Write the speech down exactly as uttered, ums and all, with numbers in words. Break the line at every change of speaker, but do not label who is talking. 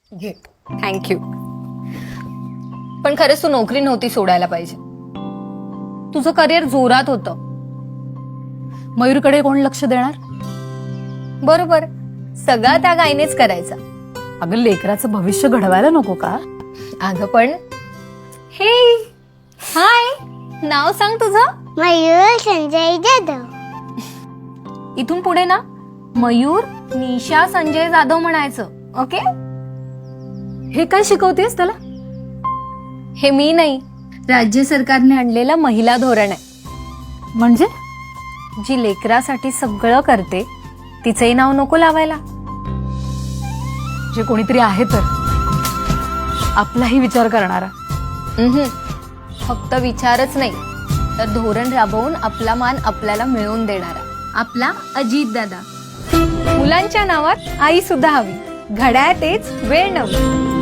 घे. थँक्यू. पण खरंच तू नोकरी नव्हती सोडायला पाहिजे. तुझं करिअर जोरात होतं.
मयूरकडे कोण लक्ष देणार?
बरोबर, सगळा त्या गायनेच करायचा.
अगं लेकराचं भविष्य घडवायला नको का?
अगं पण हे हाय, नाव सांग तुझं.
मयूर संजय जाधव.
इथून पुढे ना मयूर निशा संजय जाधव म्हणायचं. ओके.
हे काय शिकवतेस त्याला?
हे मी नाही, राज्य सरकारने आणलेलं महिला धोरण आहे.
म्हणजे
जी लेकरासाठी सगळं करते तिचंही नाव नको लावायला.
जे कोणीतरी आहे तर आपलाही विचार करणारा.
उम्हम. फक्त विचारच नाही तर धोरण राबवून आपला मान आपल्याला मिळवून देणारा आपला अजित दादा. मुलांच्या नावात आई सुद्धा हवी. घड्याळ तेच, वेळ नवी.